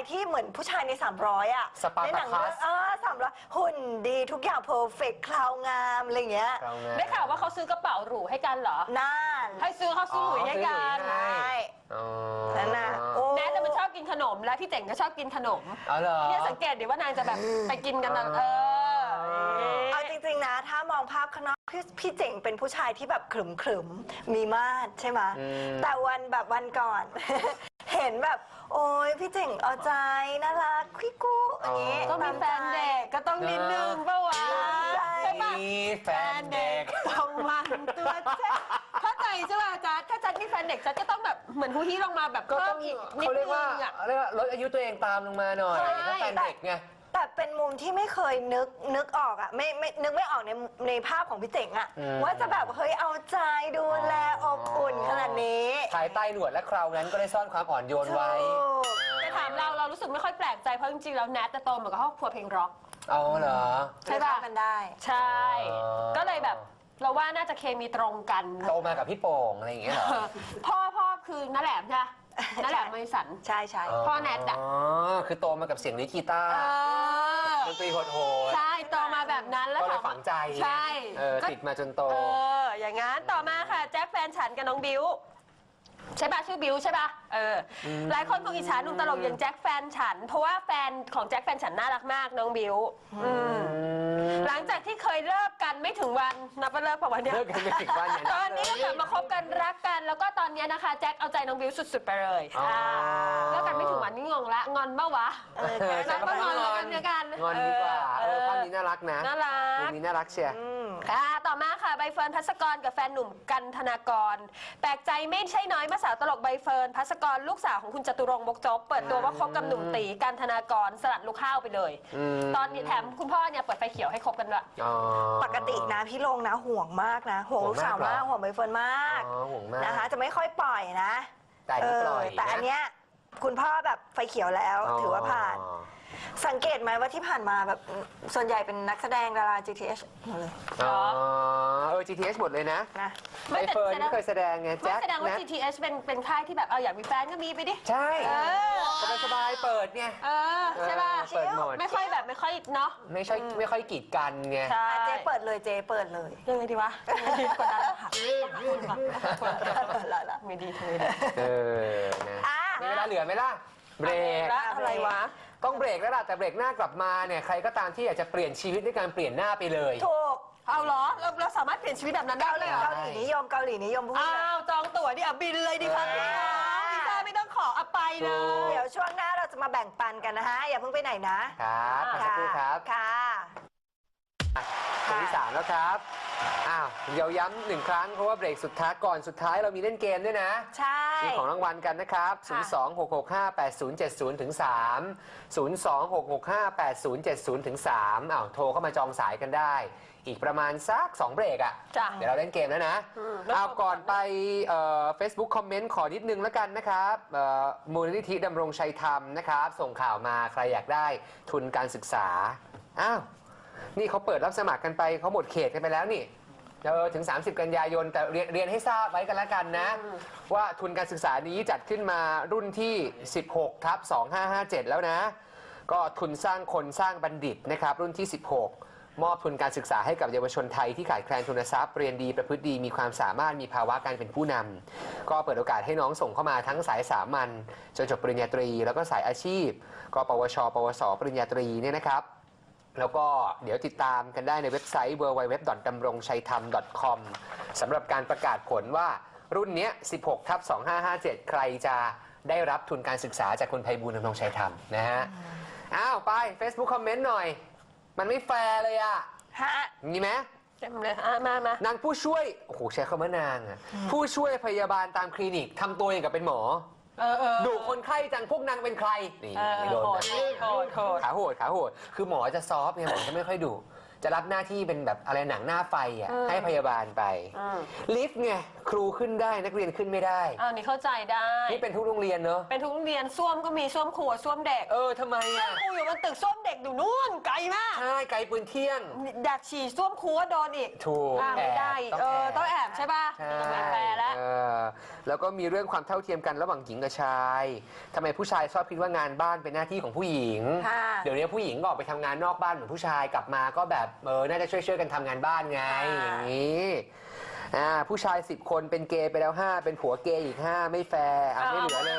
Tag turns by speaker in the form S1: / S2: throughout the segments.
S1: ที่เหมือนผู้ชายใน300อ่ะในหนังเรื่อง300หุ่นดีทุกอย่างเพอร์เฟกต์คราวงามอะไรเงี้ย
S2: ได้ข่าวว่าเขาซื้อกระเป๋าหรูให้กันเหรอ
S1: นั่น
S2: ให้ซื้อเขาซื้อหลุยให้กัน
S1: ใช่นั่นน่ะ
S2: แนทจะมันชอบกินขนมและพี่เจ๋งก็ชอบกินขนมเนี่ยสังเกตดิว่านางจะแบบไปกินกันนะ
S1: เอาจริงๆนะถ้ามองภาพข้างนอกพี่เจ๋งเป็นผู้ชายที่แบบขรึมๆมีมาดใช่ไหมแต่วันก่อน เห็นแบบโอ้ยพี่เจ๋งเอาใจน่ารักคุยกู้อย่างนี้
S2: ก็มีแฟนเด็กก็ต้องนิดนึงป่าวะใช่ปะ
S3: แฟนเด็ก
S2: ต้องมันตัวเจ๊เข้าใจใช่ป่ะจ๊ะถ้าจัดมีแฟนเด็กจัดก็ต้องแบบเหมือนฮูฮีลงมาแบบเพิ่มอีกนิดนึงอ่ะ
S3: เรียกว่าลดอายุตัวเองตามลงมาหน่อยถ้าแฟนเด็กไง
S1: แต่เป็นมุมที่ไม่เคยนึกออกอ่ะไม่นึกไม่ออกในภาพของพี่เจ๋งอ่ะว่าจะแบบเฮ้ยเอาใจดูแลอบอุ่นขนาดนี้
S3: ภายใต้หนวดและคราวนั้นก็ได้ซ่อนความอ่อนโยนไว้
S2: แต่ถามเรารู้สึกไม่ค่อยแปลกใจเพราะจริงๆแล้วแนทจะโตมากับครอบครัวเพลงร็อก
S3: เอาเหรอ
S2: ใช่ป่ะ
S1: มันได้
S2: ใช่ก็เลยแบบเราว่าน่าจะเคมีตรงกัน
S3: โตมากับพี่โป่งอะไรอย่างเงี้ยเหรอ
S2: พ่อคือน้าแหลมใช่นั่นแหละมริสัน
S1: ใช่
S2: พ่อแนทอ่ะ
S3: คือโตมากับเสียงลิกีตาร์ดนตรีโหด
S2: ใช่โตมาแบบนั้นแล้ว
S3: ก็เลยฝังใจ
S2: ใช่
S3: ติดมาจนโต
S2: อย่างงั้นต่อมาค่ะแจ็คแฟนฉันกับน้องบิวใช่ป่ะชื่อบิวใช่ป่ะหลายคนคงอิจฉาหนุ่มตลกอย่างแจ็คแฟนฉันเพราะว่าแฟนของแจ็คแฟนฉันน่ารักมากน้องบิวหลังจากที่เคยเลิกกันไม่ถึงวันนับว่าเลิกประมาณนี้
S3: เลิกกันไม่ถึงวัน
S2: ตอนนี้ก็กลับมาคบกันรักกันแล้วก็ตอนนี้นะคะแจ็คเอาใจน้องบิวสุดๆไปเลยเลิกกันไม่ถึงวันนี่งงละงอนบ้าวะ
S3: รักก็งอน
S2: กันเดียวกัน
S3: งอนดีกว่าภาพนี้น่ารักนะ
S2: น่ารัก
S3: นี้น่ารักเชียร์
S2: ต่อมาค่ะใบเฟิร์นภัสกรกับแฟนหนุ่มกันธนากรแปลกใจไม่ใช่น้อยเมื่อสาวตลกใบเฟิร์นภัสกรลูกสาวของคุณจตุรงค์บกจกเปิดตัวว่าคบกับหนุ่มตีกันธนากรสลัดลูกข้าวไปเลยตอนนี้แถมคุณพ่อเนี่ยเปิดไฟเขียวให้คบกันด้วย
S1: ปกตินะพี่ลงนะห่วงมากนะห่วงลูกสาวมากห่วงใบเฟิร์นมากนะคะจะไม่ค่อยปล่อยนะแต่อันเนี้ยคุณพ่อแบบไฟเขียวแล้วถือว่าผ่านสังเกตไหมว่าที่ผ่านมาแบบส่วนใหญ่เป็นนักแสดงดารา GTH หมดเลย
S3: GTH หมดเลยนะ
S2: ไม่
S3: เฟิร์นไม่เคยแสดงไงแจ็ค
S2: แสดงว่า GTH เป็นค่ายที่แบบอยากมีแฟนก็มีไปดิ
S3: ใช่สบายเปิดไง
S2: ใช่ป่ะ
S3: เปิดหมด
S2: ไม่ค่อยเนาะ
S3: ไม่ค่อยกีดกันไง
S1: เจ๊เปิดเลย
S2: ยังไงดีวะกดดันแล้วค่ะไม่ดีนะ
S3: มีเวลาเหลือไหมล่ะเบรก
S2: อะไรวะ
S3: ต้องเบรกแล้วล่ะแต่เบรกหน้ากลับมาเนี่ยใครก็ตามที่อยากจะเปลี่ยนชีวิตด้วยการเปลี่ยนหน้าไปเลย
S1: ถูก
S2: เอาเหรอเราสามารถเปลี่ยนชีวิตแบบนั้นได้เลย
S1: เกาหลีนิยมพูด
S2: จองตั๋วดิบินเลยดิครับวีซ่าไม่ต้องขอไปเลย
S1: เดี๋ยวช่วงหน้าเราจะมาแบ่งปันกันนะฮะอย่าเพิ่งไปไหนนะครับ
S3: สักครู่ครับ
S1: ค่ะ
S3: คนที่3แล้วครับเดี๋ยวย้ำ1 ครั้งเพราะว่าเบรกสุดท้ายก่อนสุดท้ายเรามีเล่นเกมด้วยนะ
S1: ใช่
S3: มีของรางวัลกันนะครับ026658070ถึง3 026658070ถึง3โทรเข้ามาจองสายกันได้อีกประมาณสัก2 เบรกเดี๋ยวเราเล่นเกมแล้วนะก่อนไปFacebook คอมเมนต์ขอนิดนึงแล้วกันนะครับมูลนิธิดำรงชัยธรรมนะครับส่งข่าวมาใครอยากได้ทุนการศึกษานี่เขาเปิดรับสมัครกันไปเขาหมดเขตกันไปแล้วนี่ถึง30 กันยายนแต่เรียนให้ทราบไว้กันแล้วกันนะว่าทุนการศึกษานี้จัดขึ้นมารุ่นที่16/2557แล้วนะก็ทุนสร้างคนสร้างบัณฑิตนะครับรุ่นที่16มอบทุนการศึกษาให้กับเยาวชนไทยที่ขาดแคลนทุนทรัพย์เรียนดีประพฤติดีมีความสามารถมีภาวะการเป็นผู้นำก็เปิดโอกาสให้น้องส่งเข้ามาทั้งสายสามัญจนจบปริญญาตรีแล้วก็สายอาชีพก็ปวชปวสปริญญาตรีเนี่ยนะครับแล้วก็เดี๋ยวติดตามกันได้ในเว็บไซต์ www.damrongchaitham.com สำหรับการประกาศผลว่ารุ่นนี้16/2557ใครจะได้รับทุนการศึกษาจากคุณไพบูลย์ ดำรงชัยธรรมนะฮะไป Facebook คอมเมนต์หน่อยมันไม่แฟร์เลยมีไหม
S2: เต็มเลยม
S3: นางผู้ช่วยใช้คำว่านางผู้ช่วยพยาบาลตามคลินิกทำตัวอย่างกับเป็นหมอดูคนไข้จังพวกนางเป็นใครนี่โดนขาโหดคือหมอจะซอฟต์ไงหมอจะไม่ค่อยดุจะรับหน้าที่เป็นแบบอะไรหนังหน้าไฟให้พยาบาลไปลิฟต์ไงครูขึ้นได้นักเรียนขึ้นไม่ได้
S2: อ้าวนี่เข้าใจได้
S3: นี่เป็นทุกโรงเรียนเนอะ
S2: เป็นทุกโรงเรียนส้วมก็มีส้วมครัวส้วมเด็ก
S3: ทำไมอ่ะ
S2: ครูอยู่บนตึกส้วมเด็กอยู่นู่นไกลมาก
S3: ใช่ไกลปืนเที่ยง
S2: อยากฉี่ส้วมครัวโดนอีก
S3: ถูก
S2: ไม่ได้อีกต้องแอบใช่ป่ะ
S3: ใช่
S2: ไม่แฟร์แล้ว
S3: แล้วก็มีเรื่องความเท่าเทียมกันระหว่างหญิงกับชายทำไมผู้ชายชอบคิดว่างานบ้านเป็นหน้าที่ของผู้หญิง
S1: ค่ะ
S3: เดี๋ยวนี้ผู้หญิงก็ออกไปทำงานนอกบ้านเหมือนผู้ชายกลับมาก็แบบน่าจะช่วยกันทำงานบ้านไงอย่างนี้ผู้ชาย10 คนเป็นเกย์ไปแล้ว 5 เป็นผัวเกย์อีก 5 ไม่แฟร์ไม่เหลือเลย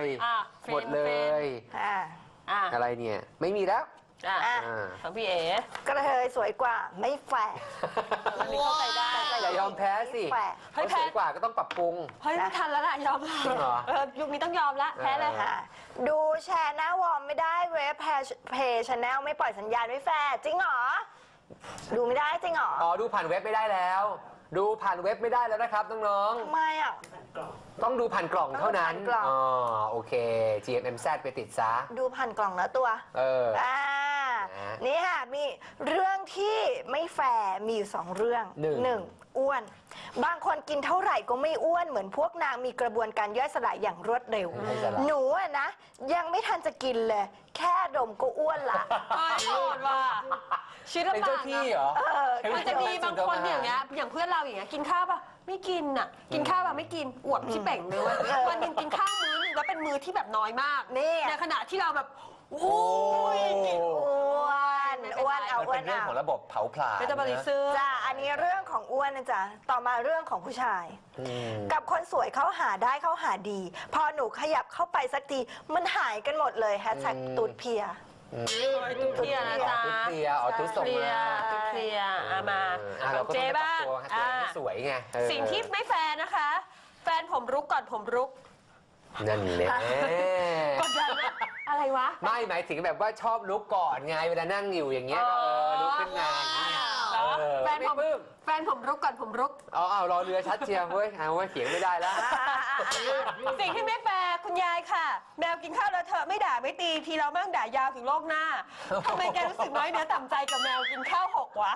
S3: หมดเลย อะไรเนี่ยไม่มีแล้ว
S2: ของพี่เอ๋
S1: กระเทยสวยกว่าไม่แฝง
S2: อันนี้เข้าใจได้
S3: อย่ายอมแพ้สิ
S1: แฝง
S3: เขาสวยกว่าก็ต้องปรับปรุง
S2: เฮ้ยไม่ทันแล้วล่ะยอม
S3: จริงเหรอ
S2: ยุคนี้ต้องยอมละแพ้เลย
S1: ดูแชร์หน้าวอร์มไม่ได้เว็บเพจชาแนลไม่ปล่อยสัญญาณไม่แฟร์จริงเหรอ ดูไม่ได้จริงเหรอ
S3: ดูผ่านเว็บไม่ได้แล้ว ดูผ่านเว็บไม่ได้แล้วนะครับน้อง
S1: ทำไมอ่ะ
S3: ๆต้องดูผ่านกล่องเท่านั้น
S1: ต้องดูผ่านกล่อง
S3: โอเค GMMZ ไปติดซะ
S1: ดูผ่านกล่องแล้วตัว
S3: นะ
S1: นี่ค่ะมีเรื่องที่ไม่แฟร์มีอยู่2 เรื่อง
S3: หนึ่ง
S1: อ้วน บางคนกินเท่าไหร่ก็ไม่อ้วนเหมือนพวกนางมีกระบวนการย่อยสลายอย่างรวดเร็ว
S3: ไม่สลาย
S1: หนูอะนะ ยังไม่ทันจะกินเลย แค่ดมก็อ้วนละ
S2: โหดว่ะชีวิต
S3: เป็น
S2: ลำบา
S3: เจ้าก ที่เหรอ
S2: มันจะมีบางคนอย่างเงี้ยอย่างเพื่อนเราอย่างเงี้ยกินข้าวป่ะไม่กินอ่ะกินข้าวป่ะไม่กินอวบที่เป่งเลยเว้ยวันหนึงกินข้าวมื้อนึงแล้วเป็นมื้อที่แบบน้อยมาก
S1: นี่
S2: ในขณะที่เราแบบโอ้ยกิน
S1: อ้วนอ้วนเอา
S3: มัน
S1: อ้ว
S3: เป็น นเรื่อง
S1: เอา
S3: ของระบบเผาผลาญ
S2: เป็นตะบริซึม
S1: จ้าอันนี้เรื่องของอ้วนนะจ๊ะต่อมาเรื่องของผู้ชาย
S3: อืม
S1: กับคนสวยเขาหาได้เขาหาดี พอหนูขยับเข้าไปสักทีมันหายกันหมดเลยแฮชแท็กตูดเพีย
S2: ตุ๊กเคลียร์นะจ๊ะ
S3: ตุ๊ดเคลียร์ตุ๊ดส่ง
S2: เคลีย
S3: มา
S2: ร์ตุ๊กเคลียร์มา
S3: เราก็ต้อง
S2: เจ๊
S3: ไปปรับ
S2: บ้าง
S3: ตัวให้สวยไง
S2: สิ่งที่ไม่แฟร์นะคะ แฟนผมรุกก่อนผมรุก
S3: นั่นแหละ
S2: กดดันนะอะไรวะ
S3: ไม่หมายถึงแบบว่าชอบลุกก่อนไงเวลานั่งอยู่อย่างเงี้ยก็ลุกขึ้นมาอย่างเงี้ย
S2: เหรอแฟน
S3: ไม่
S2: ผม
S3: ปลื้ม
S2: แฟนผมรุกก่อนผมรุก
S3: เอารอเรือชัดเชียวเว้ยเอาไว้เถียงไม่ได้แล้ว
S2: สิ่งที่ไม่แฟร์คุณยายค่ะ แมวกินข้าวแล้วเธอะไม่ด่าไม่ตีทีเรามั่งด่ายาวถึงโลกหน้าทำไมแกรู้สึกน้อยเนื้อต่ำใจกับแมวกินข้าว6วะ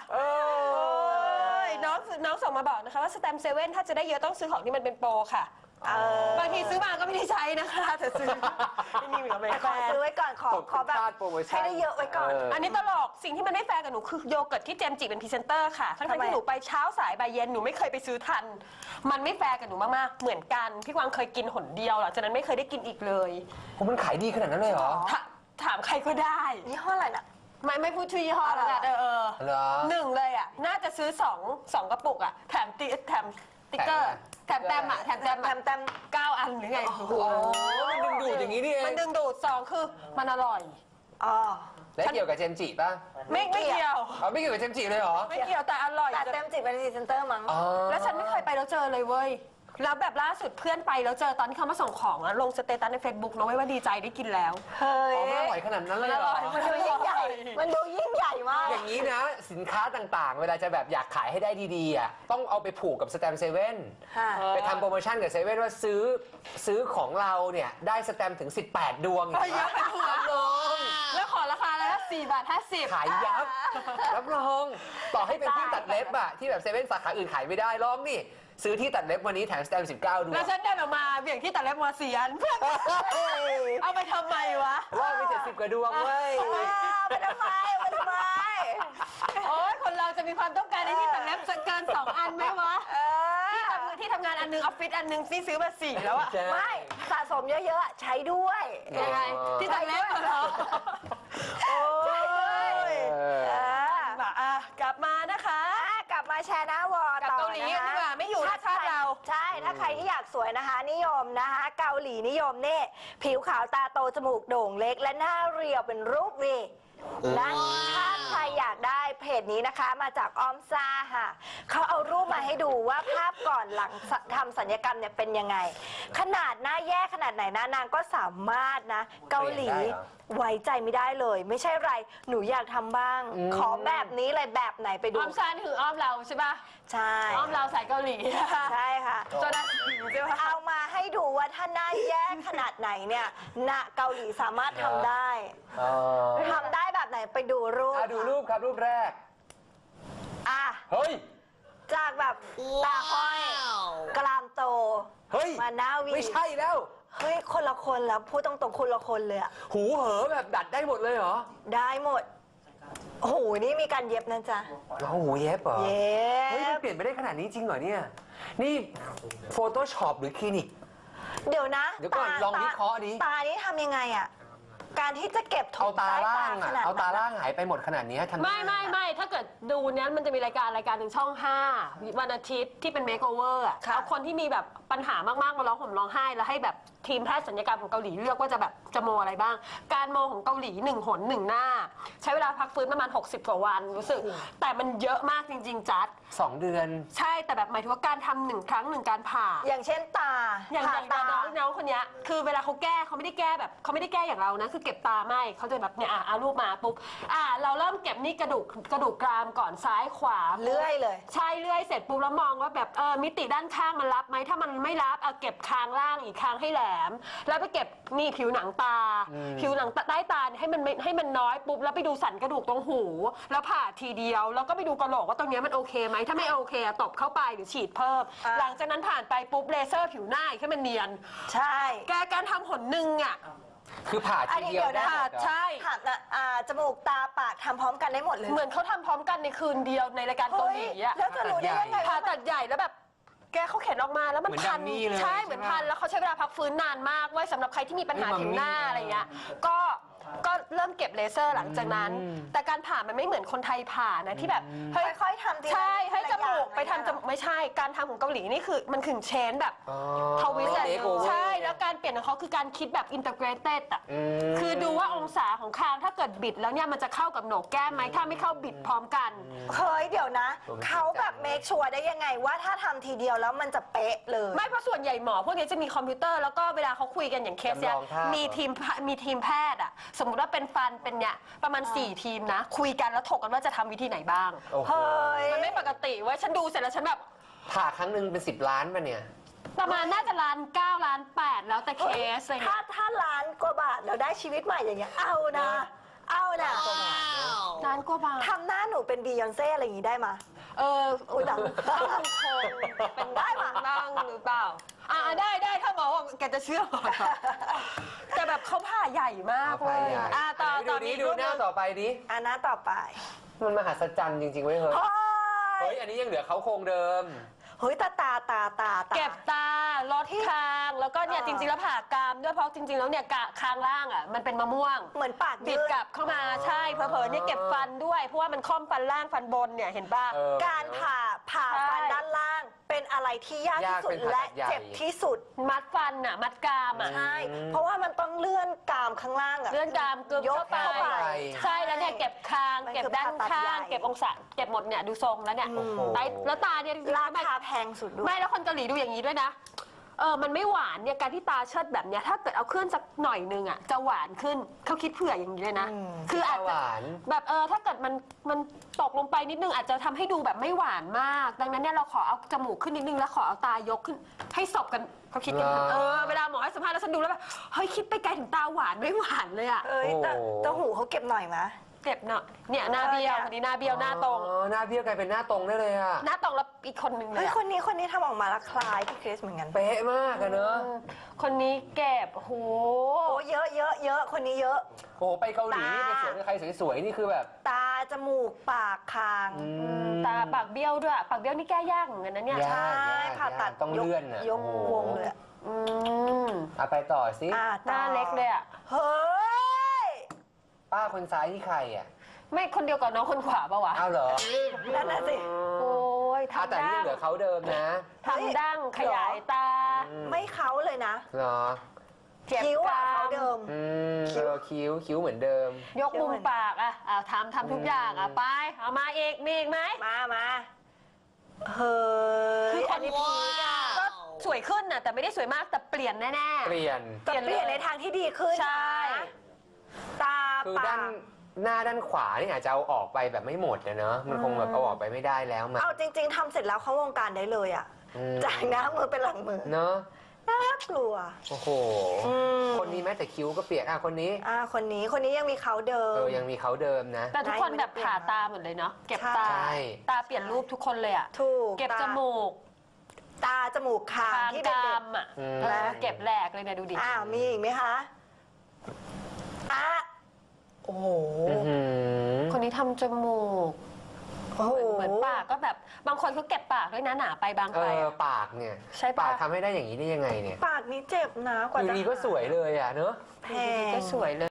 S2: น้องส่งมาบอกนะคะว่าสแตมป์เซเว่นถ้าจะได้เยอะต้องซื้อของที่มันเป็นโปรค่ะบางทีซื้อมาก็ไม่ได้ใช้นะคะแต่ซื้อนี่มีกับแม่
S1: แต่ขอซื้อไว้ก่อนขอแบบ
S3: โปรโมชั่น
S1: ให้ได้เยอะไว้ก่อน
S2: อันนี้ตลกสิ่งที่มันไม่แฟร์กับหนูคือโยเกิร์ตที่เจมส์จิเป็นพรีเซนเตอร์ค่ะทั้ง
S1: ทำไม
S2: ที่หนูไปเช้าสายบ่ายเย็นหนูไม่เคยไปซื้อทัน มันไม่แฟร์กับหนูมากๆเหมือนกันพี่กวางเคยกินหนเดียวหลังจากนั้นไม่เคยได้กินอีกเลย
S3: มันขายดีขนาดนั้นเลยเหรอ
S2: ถามใครก็ได้
S1: ยี่ห้ออะไรน่ะ
S2: ไม่พูดชื่อยี่ห้อแล้วกัน
S3: เหรอ
S2: หนึ่งเลยอ่ะน่าจะซื้อสองกระปุกอ่ะแถมสติ๊กเกอร์แถมแต้มอ่ะแถมแต้ม
S1: แต้ม
S2: 9 อันหรือไง
S3: โอ้โหมันดึงดูดอย่างนี้นี่เอง
S2: มันดึงดูด2คือมันอร่อย
S1: อ๋อ
S3: และเกี่ยวกับเจมส์จิป่ะ
S2: ไม่เกี่ยว
S3: ไม่เกี่ยวกับเจมส์จิเลยเหรอ
S2: ไม่เกี่ยวแต่อร่อย
S1: แต่เต็มจิตเป็นพรีเซนเตอร์มั้ง
S2: แล้วฉันไม่เคยไปแล้วเจอเลยเว้ยแล้วแบบล่าสุดเพื่อนไปแล้วเจอตอนที่เขามาส่งของอะลงสเตตัสใน Facebook นะเว้ยว่าดีใจได้กินแล้ว
S1: เฮ้ย
S3: มันอร่อยขนาดนั้นเลยเหรอ
S1: มันดูยิ่งใหญ่ มันดูยิ่งใหญ่มาก
S3: อย่างนี้นะ สินค้าต่างๆ เวลาจะแบบอยากขายให้ได้ดีๆอ่ะต้องเอาไปผูกกับสแตมป์เซเว่น
S1: ค่ะ
S3: ไปทำโปรโมชั่นกับเซเว่นว่าซื้อของเราเนี่ยได้สแตมป์ถึง 18 ดวง
S2: เฮ้ยเยอะไปหัว
S3: น้อง
S2: แล้วขอราคาแล้ว4.50
S3: ขายยับรับรอง ต่อให้เป็นที่ตัดเล็บอะที่แบบเซเว่นสาขาอื่นขายไม่ได้ลองนี่ซื้อที่ตัดเล็บวันนี้แถมสแตมป์19 ดว
S2: แล้
S3: ง
S2: วฉันเดินออกมาเบี่ยงที่ตัดเล็บมา4 อันเพื่อนเอาไปทำไมวะ
S3: รอบไป70 กว่าดวงเว้ย
S1: ไปทำไมไปทำไม
S2: โอ้ยคนเราจะมีความต้องการในที่ตัดเล็บเกิน2 อันไหมวะ
S1: เออ
S2: ที่ทำงานอันนึงออฟฟิศอันนึงซื้อมา4แล้วอะ
S3: ใช่
S1: ไม่สะสมเยอะๆ ใช้ด้วย
S2: ยังไงที่ตัดเล็บเหรอ
S1: ใช่ด้วย
S2: กลับมานะคะ
S1: กลับมาแชร์หน้าวอ
S2: กับ
S1: ต่อ
S2: เกาหลี
S1: นะ
S2: กันดี
S1: คะ
S2: กว่าไม่อยู่ชาติเรา
S1: ใช่ ถ้าใครที่อยากสวยนะคะ นิยมนะคะ เกาหลีนิยมนี่ผิวขาวตาโตจมูกโด่งเล็ก และหน้าเรียวเป็นรูปวีและถ้าใครอยากได้เพจนี้นะคะมาจากออมซ่าค่ะเขาเอารูปมาให้ดูว่าภาพก่อนหลังทำศัลยกรรมเนี่ยเป็นยังไง ขนาดหน้าแย่ขนาดไหนนะนางก็สามารถนะ เกาหลีไว้ใจไม่ได้เลย ไม่ใช่ไรหนูอยากทำบ้าง ขอแบบนี้เลยแบบไหนไปดู
S2: อ้อมซานคืออ้อมเราใช่ปะ
S1: ใช่
S2: อ้อมเราสายเกาหลี
S1: ใช่ค่ะ
S2: โซดาใช่ปะ
S1: เอามาให้ดูว่าถ้าหน้าแย่ขนาดไหนเนี่ยณเกาหลีสามารถทำได้ทำได้แบบไหนไปดูรูป
S3: ดูรูปครับรูปแรก
S1: อ่ะ
S3: เฮ้ย
S1: จากแบบตาห้อยกรามโต
S3: เฮ้ย
S1: มาหน้าวี
S3: ไม่ใช่แล้ว
S1: เฮ้ยคนละคนแล้วพูดตรงๆคนละคนเลยอะ
S3: หูเหอแบบดัดได้หมดเลยเหรอ
S1: ได้หมดโอ้โหนี่มีการเย็บนะจ๊ะ
S3: เราหูเย็บเหรอ
S1: เย็
S3: เฮ้ยมัน
S1: บ
S3: เปลี่ยนไปได้ขนาดนี้จริงเหรอเนี่ย นี่ Photoshop หรือคลินิก
S1: เดี๋ยวนะ
S3: เดี๋ยวก่อนลองวิเคราะห์ดิ
S1: ตานี่ทำยังไงอะการที่จะเก็บถุ
S3: เอา
S1: ง
S3: ตา
S1: ใต้
S3: ล่า
S1: ตาง ข
S3: อ่ะ
S1: นาด
S3: เอาตา
S1: นั้น
S3: ล่างหายไปหมดขนาดนี้ทำ
S2: ไม่ถ้าเกิดดูเนี้ยมันจะมีรายการหนึ่งช่อง 5 วันอาทิตย์ที่เป็นเมคโอเวอร์อะ
S1: ค่ะ
S2: เอาคนที่มีแบบปัญหามากๆมาร้องห่มร้องไห้แล้วให้แบบทีมแพทย์ศัลยกรรมของเกาหลีเลือกว่าจะแบบจะโมอะไรบ้าง การโมของเกาหลี1 หน 1 หน้า ใช้เวลาพักฟื้นประมาณ60 กว่าวันรู้สึก แต่มันเยอะมากจริง ๆ จัด
S3: 2 เดือน
S2: ใช่แต่แบบหมายถึงว่าการทำ1 ครั้ง 1 การผ่า
S1: อย่างเช่นตา
S2: อย่าง
S1: ผ่าตา
S2: น้องคนเนี้ยคือเวลาเขาแก้เขาไม่ได้แก้แบบเขาไม่ได้แก้อย่างเรานะคือเก็บตาไม่เขาจะแบบเนี่ยเอารูปมาปุ๊บเราเริ่มเก็บนี่กระดูกกรามก่อนซ้ายขวา
S1: เลื่อยเลย
S2: ใช่เลื่อยเสร็จปุ๊บแล้วมองว่าแบบมิติด้านข้างมันรับไหมถ้ามันไม่รับเก็บคางล่างอีกคางให้แหลม แล้วไปเก็บนี่ผิวหนังตา ผิวหนังใต้ตาเนี่ยให้มันน้อยปุ๊บแล้วไปดูสันกระดูกตรงหู แล้วผ่าทีเดียวแล้วก็ไปดูกระโหลกว่าตรงเนี้ยมันโอเคไหมถ้าไม่โอเคตบเข้าไปหรือฉีดเพิ่ม หลังจากนั้นผ่านไปปุ๊บเลเซอร์ผิวหน้าอีกให้มันเนียน
S1: ใช่
S2: การทำหนหนึ่งอ่ะ
S3: คือผ่าทีเดียวได้หมดเหรอ
S2: ใช่
S1: ผ่าจมูกตาปากทำพร้อมกันได้หมดเลย
S2: เหมือนเขาทำพร้อมกันในคืนเดียวในรายการเกาหลีอ่ะ
S1: แล้วจะรู้ได้ยังไง
S2: ผ่า
S1: ว่า
S2: ตัดใหญ่แล้วแบบแกเขาเข็นออกมาแล้วมัน
S3: เหมือน
S2: พัน
S3: ดัมมี่เลย
S2: ใช่
S3: ใช่
S2: เหมือน
S3: ปะ
S2: พันแล้วเขาใช้เวลาพักฟื้นนานมากไว้สำหรับใครที่มีปัญหา
S3: นี่
S2: ผิวหน้า
S3: มัมมี่
S2: อะไรเงี้ยก็เริ่มเก็บเลเซอร์หลังจากนั้น แต่การผ่ามันไม่เหมือนคนไทยผ่านะที่แบบเฮ้ย
S1: ค่อยๆทำทีละ
S2: ใช่ให้จมูก
S1: ทีละอย่าง
S2: ไปทำจมูกไม่ใช่การทำของเกาหลีนี่คือมันขึงเชนแบบ
S3: อ๋อ
S2: ทวิสต์
S3: เมคโอเวอร์
S2: ใช่แล้วการเปลี่ยนของเขาคือการคิดแบบอินเตอร์เกรเต็ดอ่ะ
S3: ม
S2: คือดูว่าองศาของคางถ้าเกิดบิดแล้วเนี่ยมันจะเข้ากับโหนกแก้มไหมถ้าไม่เข้าบิดพร้อมกัน
S1: เฮ้ยเดี๋ยวนะ
S3: ผมไม่
S1: เขาแบบ
S3: เข้าใจ
S1: เมคชัวร์ได้ยังไงว่าถ้าทำทีเดียวแล้วมันจะเป๊ะเลย
S2: ไม่เพราะส่วนใหญ่หมอพวกนี้จะมีคอมพิวเตอร์แล้วก็เวลาเขาคุยกันอย่างเคสเนี่ย
S3: จำลองภาพ
S2: มีทีมแพทย์อ่ะสมมุติว่าเป็นฟันเป็นเนี่ยประมาณ4 ทีมนะ คุยกันแล้วถกกันว่าจะทำวิธีไหนบ้าง
S3: โอ้โห
S1: เฮ้ย
S2: มันไม่ปกติเว้ยฉันดูเสร็จแล้วฉันแบบ
S3: ผ่าครั้งหนึ่งเป็น10 ล้านป่ะเนี่ย
S2: ประมาณน่าจะล้าน9ล้าน8แล้วแต่เคสอะไร
S1: ถ้า
S2: เงี้ย
S1: ถ้าล้านกว่าบาทเราได้ชีวิตใหม่อย่างเงี้ยเอานะ เอานะ
S2: ล้านกว่าบาท
S1: ทำหน้าหนูเป็นบียอนเซ่อะไรอย่างงี้ได้มา
S2: อุ้ยหลังต้องดูโครงเป็นได้ปะนั่งหรือเปล่าได้ถ้าหมอบอกแกจะเชื่อก่อนแต่แบบเขาผ่าใหญ่มาก
S3: เอา
S2: เล
S3: ไป
S2: ย
S3: ใหญ่
S2: ต่อ
S3: ดูนี้ดูหน้าต่อไปดิ
S1: อันหน้าต่อไป
S3: มันมหัศจรรย์จริงๆเว้ยเฮ้ย
S1: เฮ้
S3: เฮ้
S1: ย
S3: ย อันนี้ยังเหลือเขาโครงเดิม
S1: เฮ้ยตา
S2: เก็บตาลดคางแล้วก็เนี่ยจริงๆแล้วผ่ากรามด้วยเพราะจริงๆแล้วเนี่ยคางล่างอ่ะมันเป็นมะม่วง
S1: เหมือนปาก
S2: บิ
S1: ยื
S2: ด
S1: ด
S2: กลับเข้ามาใช่เผลอๆเนี่ยเก็บฟันด้วยเพราะว่ามันค่อมฟันล่างฟันบนเนี่ยเห็นป่ะ
S3: เออ
S1: การผ่า
S2: ใช่
S1: ฟันด้านล่าง เป็นอะไรที่ยากที่สุด
S3: ยากเป็นผ่า
S1: และ
S3: ตัดใหญ่
S1: เจ็บที่สุด
S2: มัดฟันอ่ะมัดกรามอ่ะ
S1: ใช่ เพราะว่ามันต้องเลื่อนกรามข้างล่างอะ
S2: เลื่อนกรามกึบ
S1: ยก
S2: เข้าไป
S1: เข้าไป
S2: ใช่แล้วเนี่ยเก็บคาง
S1: มันคือ
S2: เก็บด้าน
S1: ผ่าตัด
S2: ข้า
S1: ใหญ่
S2: งเก็บองศาเก็บหมดเนี่ยดูทรงแล้วเนี่ย
S3: โอ้โห
S2: แล้วตาเนี่ยจริงๆ
S1: รา
S2: แล้วมัน
S1: คาแพงสุดด้วย
S2: ไม่แล้วคนเกาหลีดูอย่างนี้ด้วยนะมันไม่หวานเนี่ยการที่ตาเชิดแบบเนี้ยถ้าเกิดเอาขึ้นสักหน่อยนึงอ่ะจะหวานขึ้นเขาคิดเผื่ออย่างนี้เลยนะ คืออาจ
S3: ห
S2: จะ
S3: วาน
S2: แบบถ้าเกิดมันตกลงไปนิดนึงอาจจะทำให้ดูแบบไม่หวานมาก ดังนั้นเนี่ยเราขอเอาจมูกขึ้นนิดนึงแล้วขอเอาตายกขึ้นให้สบกันเขาคิดกัน
S3: เหรอ
S2: เวลาหมอให้สัมภาษณ์แล้วฉันดูแล้วแบบเฮ้ยคิดไปไกลถึงตาหวานไม่หวานเลยอ่ะ
S1: เอ้ยแต่
S3: โอ้
S1: แต่หูเขาเก็บหน่อยมะ
S2: เจ็บเนาะเนี่ยหน้าเบี้ยวคนนี้หน้าเบี้ยวหน้าตรง
S3: อ๋อหน้าเบี้ยวกลายเป็นหน้าตรงได้เลยอะ
S2: หน้าตรงแล้วอีกคนนึงเล
S1: เฮ้
S2: ย
S1: ย
S2: อะ
S1: คนนี้ทำออกมาแล้วคล้ายพี่คริสเหมือนกัน
S3: เป๊ะมากอะเนอะ
S2: คนนี้เก็บโห
S1: โอ้เยอะคนนี้เยอะ
S3: โอ้โหไปเกาหลีนี่ไป
S1: ตา
S3: สวนกับใครสวยๆนี่คือแบบ
S1: ตาจมูกปากคาง
S2: ตาปากเบี้ยวด้วยปากเบี้ยวนี่แก้ยากเหมือนกันนะเนี่ย
S3: ยาก
S1: ใช่ผ่าตัด
S3: ต้องเลื่อนอะ
S1: ยก
S3: โอ้โห
S1: วงเลยอะ
S2: อืม
S3: เอาไปต่อสิ
S2: หน้าเล็กเลยอ่ะ
S1: เฮ้ย
S3: ป้าคนซ้ายนี่ใครอะ
S2: ไม่คนเดียวกับน้องคนขวาปะวะ
S3: อ้าวเหรอ
S1: นั่นน่ะสิ
S2: โอ้ย
S3: อ่ะ
S2: ทำ
S3: แต่นี่
S2: ดั้
S3: ยัง
S2: ง
S3: เหลือเขาเดิมนะ
S2: ทำดั้งขยายตา
S1: ไม่เขาเลยนะ
S3: เหรอ
S2: เจ็บ
S1: คิ้ว
S2: ก
S1: อะ
S2: รา
S1: เขา
S2: ม
S1: เดิม
S3: คิ้วคิ้วเหมือนเดิม
S2: ยกมุมปากอ่ะทำทุกอย่างอ่ะไปเอามาอีกมีอีกไหม
S1: มาเฮ้ย
S2: คือคน
S1: นี้พีกอะ
S2: ก็สวยขึ้นน่ะแต่ไม่ได้สวยมากแต่เปลี่ยนแน่
S3: เปลี่ยน
S1: แต่เปลี่ยนในทางที่ดีขึ้น
S2: ใช่
S1: นะตา
S3: คือ
S1: ปา
S3: ด้าน
S1: ก
S3: หน้าด้านขวานี่อาจจะเอาออกไปแบบไม่หมดนะเนอะมันคงแบบเอาออกไปไม่ได้แล้วมัน
S1: เอาจริง ๆทำเสร็จแล้วเข้าวงการได้เลยอ่ะ จากหน้ามือเป็นหลังมือ
S3: เนอะ
S1: น่ากลัว
S3: โอ้โห
S1: อืม
S3: คนนี้แม้แต่คิ้วก็เปลี่ยนคนนี้
S1: คนนี้ยังมีเขาเดิม
S3: ยังมีเขาเดิมนะ
S2: ๆแต่ทุกคนแบบผ่าตาหมดเลยเนาะเก็บตา
S3: ใช่
S2: ตาเปลี่ยนรูปทุกคนเลยอ่ะ
S1: ถูก
S2: เก็บ
S1: ตา
S2: จมูก
S1: ตาจมูกคางที่เด็ก
S2: ดำอ่ะเก็บแหลกเลยนะดูดิ
S1: ๆมีอีกไหมคะโอ้โห
S2: คนนี้ทำจมูก
S1: โอ้โห
S2: เหมือนปากก็แบบบางคนเขาเก็บปากด้วยนะหนาไปบางไปอะ
S3: ปากเนี่ย
S2: ใช่ปะ
S3: ปากทำให้ได้อย่างนี้ได้ยังไงเนี่ย
S1: ปากนี้เจ็บนะกว่า
S3: อยู่
S1: จะ
S3: ดีก็สวยเลยอ่ะเนอะ
S1: แพ
S2: อยู่ดี
S1: ง
S2: ๆก็สวยเลย